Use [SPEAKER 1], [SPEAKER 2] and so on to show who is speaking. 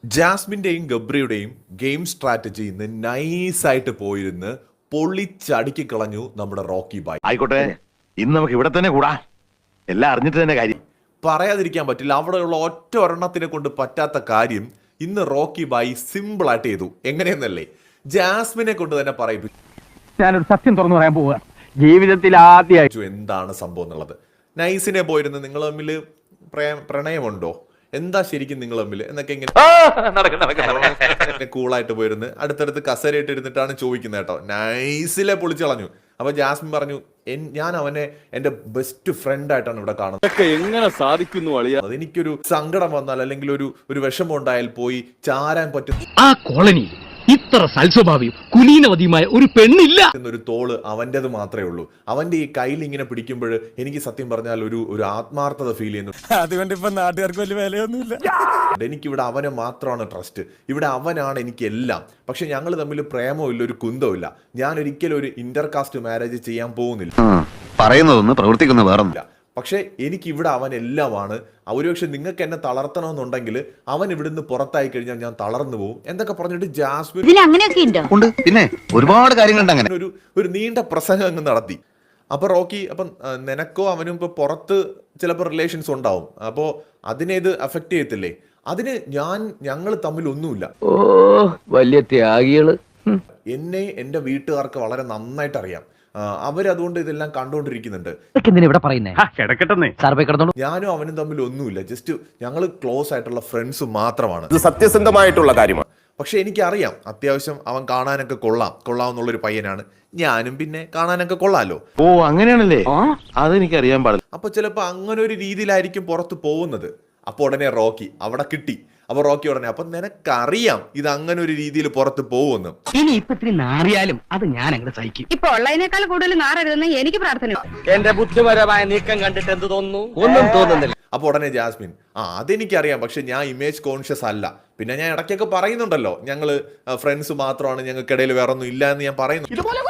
[SPEAKER 1] ജാസ്മിന്റെയും ഗബ്രിയുടെയും game strategy ഇന്ന് നൈസായിട്ട് പോയിരുന്ന് പൊളിച്ചടുക്കി കളഞ്ഞു നമ്മുടെ റോക്കി ബായ്.
[SPEAKER 2] ആയിക്കോട്ടെ, ഇന്ന് നമുക്ക് ഇവിടെ തന്നെ കൂടാ. എല്ലാം അറിഞ്ഞിട്ട് തന്നെ കാര്യം.
[SPEAKER 1] പറയാതിരിക്കാൻ പറ്റില്ല, അവിടെയുള്ള ഒറ്റ ഒരെണ്ണത്തിനെ കൊണ്ട് പറ്റാത്ത കാര്യം ഇന്ന് റോക്കി ബായ് സിമ്പിൾ ആയിട്ട് ചെയ്തു. എങ്ങനെയെന്നല്ലേ, ജാസ്മിനെ കൊണ്ട് തന്നെ പറയിപ്പിച്ചു.
[SPEAKER 3] ഞാനൊരു സത്യം തുറന്നു പറയാൻ പോവുക, ജീവിതത്തിൽ ആദ്യമായിട്ട്
[SPEAKER 1] എന്താണ് സംഭവം എന്നുള്ളത്. നൈസിനെ പോയിരുന്ന് നിങ്ങൾ തമ്മിൽ പ്രണയമുണ്ടോ, എന്താ ശരിക്കും നിങ്ങൾ തമ്മിൽ എന്നൊക്കെ ഇങ്ങനെ കൂളായിട്ട് പോയിരുന്ന് അടുത്തടുത്ത് കസരയിട്ട് ഇരുന്നിട്ടാണ് ചോദിക്കുന്നത് കേട്ടോ. നൈസിലെ പൊളിച്ചു കളഞ്ഞു. അപ്പൊ ജാസ്മിൻ പറഞ്ഞു, ഞാൻ അവനെ എന്റെ ബെസ്റ്റ് ഫ്രണ്ട് ആയിട്ടാണ് ഇവിടെ കാണുന്നത്.
[SPEAKER 4] എങ്ങനെ സാധിക്കുന്നു അളിയ?
[SPEAKER 1] എനിക്കൊരു സങ്കടം വന്നാൽ അല്ലെങ്കിൽ ഒരു വിഷമം ഉണ്ടായാൽ പോയി ചാരാൻ പറ്റും
[SPEAKER 5] ആ കോളനി ഇത്ര സൽസ്വഭാവിയും കുലീനവതിയുമായ ഒരു പെണ്ണില്ല
[SPEAKER 1] എന്നൊരു തോള് അവൻ്റെത് മാത്രമേ ഉള്ളൂ. അവന്റെ ഈ കയ്യിൽ ഇങ്ങനെ പിടിക്കുമ്പോൾ എനിക്ക് സത്യം പറഞ്ഞാൽ ഒരു ആത്മാർത്ഥത ഫീൽ ചെയ്യുന്നു.
[SPEAKER 4] അതുകൊണ്ട് ഇപ്പൊ നാട്ടുകാർക്ക് വലിയ വിലയൊന്നുമില്ല.
[SPEAKER 1] എനിക്കിവിടെ അവനെ മാത്രമാണ് ട്രസ്റ്റ്, ഇവിടെ അവനാണ് എനിക്ക് എല്ലാം. പക്ഷെ ഞങ്ങൾ തമ്മിൽ പ്രേമമില്ല, ഒരു കുന്തമില്ല. ഞാൻ ഒരിക്കലും ഒരു ഇന്റർകാസ്റ്റ് മാരേജ് ചെയ്യാൻ പോകുന്നില്ല.
[SPEAKER 2] പറയുന്നതൊന്ന് പ്രവർത്തിക്കുന്ന വേറൊന്നുമില്ല.
[SPEAKER 1] പക്ഷെ എനിക്ക് ഇവിടെ അവൻ എല്ലാമാണ്. ഒരുപക്ഷെ നിങ്ങൾക്ക് എന്നെ തളർത്തണമെന്നുണ്ടെങ്കിൽ അവൻ ഇവിടുന്ന് പുറത്തായി കഴിഞ്ഞാൽ ഞാൻ തളർന്നു പോകും എന്നൊക്കെ പറഞ്ഞിട്ട് ജാസ്മിൻ
[SPEAKER 2] ഉണ്ട്. പിന്നെ ഒരുപാട് കാര്യങ്ങളുണ്ട്. അങ്ങനെ
[SPEAKER 1] ഒരു നീണ്ട പ്രസംഗം അങ്ങ് നടത്തി. അപ്പൊ റോക്കി, അപ്പം നിനക്കോ അവനും ഇപ്പൊ പുറത്ത് ചിലപ്പോൾ റിലേഷൻസ് ഉണ്ടാവും, അപ്പോ അതിനെ ഇത് അഫക്ട് ചെയ്യത്തില്ലേ? അതിന് ഞങ്ങൾ തമ്മിൽ ഒന്നുമില്ല.
[SPEAKER 5] ഓ വലിയ ത്യാഗികള്.
[SPEAKER 1] എന്നെ എന്റെ വീട്ടുകാർക്ക് വളരെ നന്നായിട്ട് അറിയാം. അവരതുകൊണ്ട് ഇതെല്ലാം കണ്ടുകൊണ്ടിരിക്കുന്നുണ്ട്. ഞാനും അവനും തമ്മിൽ ഒന്നുമില്ല, ജസ്റ്റ് ഞങ്ങൾ ക്ലോസ് ആയിട്ടുള്ള ഫ്രണ്ട്സ് മാത്രമാണ്.
[SPEAKER 4] ഇത് സത്യസന്ധമായിട്ടുള്ള കാര്യമാണ്.
[SPEAKER 1] പക്ഷെ എനിക്കറിയാം അത്യാവശ്യം അവൻ കാണാനൊക്കെ കൊള്ളാമെന്നുള്ളൊരു പയ്യനാണ്. ഞാനും പിന്നെ കാണാനൊക്കെ കൊള്ളാലോ.
[SPEAKER 2] ഓ അങ്ങനെയാണല്ലേ, അതെനിക്കറിയാൻ പാടില്ല.
[SPEAKER 1] അപ്പൊ ചിലപ്പോ അങ്ങനെ ഒരു രീതിയിലായിരിക്കും പുറത്ത് പോകുന്നത്. അപ്പൊ ഉടനെ റോക്കി അവിടെ കിട്ടി. അപ്പൊ റോക്കി ഉടനെ, അപ്പൊ നിനക്കറിയാം ഇത് അങ്ങനെ ഒരു രീതിയിൽ പുറത്ത് പോകുമെന്ന്.
[SPEAKER 5] ഇനി ഇപ്പൊ ഇത്തിരി നാറിയാലും അത് ഞാൻ അങ്ങനെ സഹിക്കും.
[SPEAKER 6] ഇപ്പൊ ഉള്ളതിനേക്കാൾ കൂടുതൽ നാറരുതെന്ന് എനിക്ക് പ്രാർത്ഥന.
[SPEAKER 5] എന്റെ ബുദ്ധിപരമായ നീക്കം കണ്ടിട്ട് എന്ത് തോന്നുന്നു? ഒന്നും തോന്നുന്നില്ല.
[SPEAKER 1] അപ്പൊ ഉടനെ ജാസ്മിൻ, അതെനിക്കറിയാം, പക്ഷെ ഞാൻ ഇമേജ് കോൺഷ്യസ് അല്ല. പിന്നെ ഞാൻ ഇടയ്ക്കൊക്കെ പറയുന്നുണ്ടല്ലോ, ഞങ്ങള് ഫ്രണ്ട്സ് മാത്രമാണ്, ഞങ്ങൾക്കിടയിൽ വേറെ ഒന്നും ഇല്ല എന്ന് ഞാൻ പറയുന്നു.